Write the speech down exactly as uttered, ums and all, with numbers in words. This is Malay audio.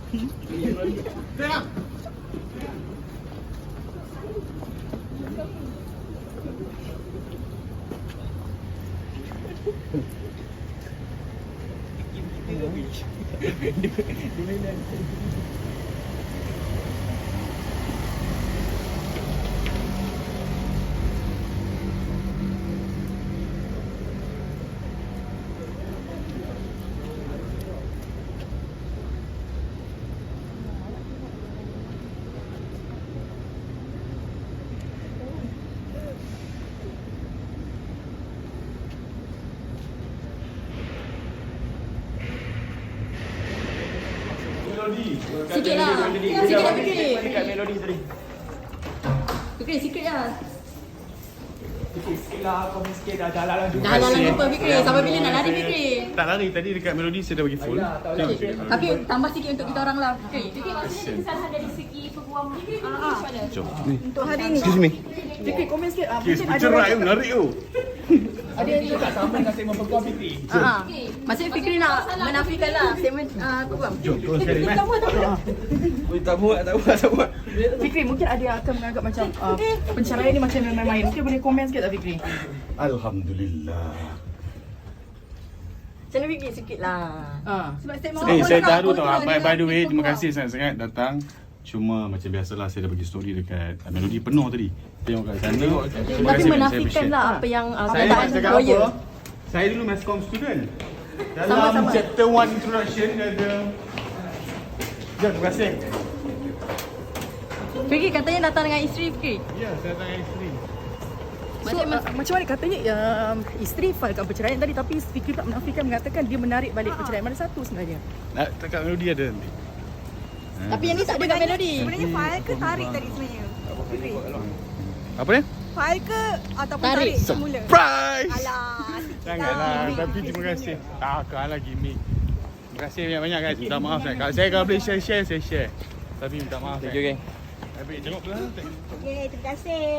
Sikit lah. Sikit lah Fikri. Dekat melodi tadi. Fikri sikit lah. Sikit lah, komen sikit dah jalan lah. Dah lah lupa Fikri. Sampai bila nak lari Fikri? Tak lari tadi dekat melodi saya dah bagi full. Okay. Tapi tambah sikit untuk kita orang lah Fikri. Fikri maksudnya kesalahan dari segi peguam English mana? Jom. Untuk hari ni. Excuse me. Fikri komen sikit. Ah, Okay, mungkin ada cerai orang- tu menarik tu. ada yang Tak sama dengan segmen peguam Fikri. Ah, maksudnya Fikri nak menafikan lah statement ah, peguam. Jom, terus sekali. Tak buat, tak buat. Tak buat, tak buat, tak buat. Fikri mungkin ada yang akan menganggap macam uh, penceraian ni macam main-main. Mungkin boleh komen sikit tak Fikri? Alhamdulillah. Macam mana Fikri sikit lah. Ah. Sebab statement Eh, awak saya nak tahu apa tau. tu By, by the way, dengan terima peguam. kasih sangat-sangat datang. Cuma macam biasalah saya dah bagi story dekat uh, melodi penuh tadi. Tengok kat sana. Terima Tapi kasih banyak, saya menafikan appreciate. lah apa yang uh, Saya perkataan cakap lawyer. apa? Saya dulu Mascom student. Dalam Sama-sama. chapter one introduction dia ada. Jom, terima kasih. Fikri katanya datang dengan isteri Fikri. Ya, saya datang dengan isteri. So, uh, macam mana katanya um, isteri filekan perceraian tadi tapi Fikri tak menafikan mengatakan dia menarik balik perceraian. Mana satu sebenarnya? Nak dekat melodi ada nanti. Tapi yang ni tak ada kat melodi. Sebenarnya file ke tarik tadi sebenarnya? Fikri. Apa dia? File ke ataupun Tarik. tarik, semula? Surprise! Alah, sikit Janganlah, tapi terima kasih. Takkanlah gimmick. Terima kasih banyak-banyak guys. Minta maaf saya. Kalau saya kalau boleh share-share, saya share. Tapi minta maaf. Thank you, geng. Tapi tengok belakang. Okay, terima kasih.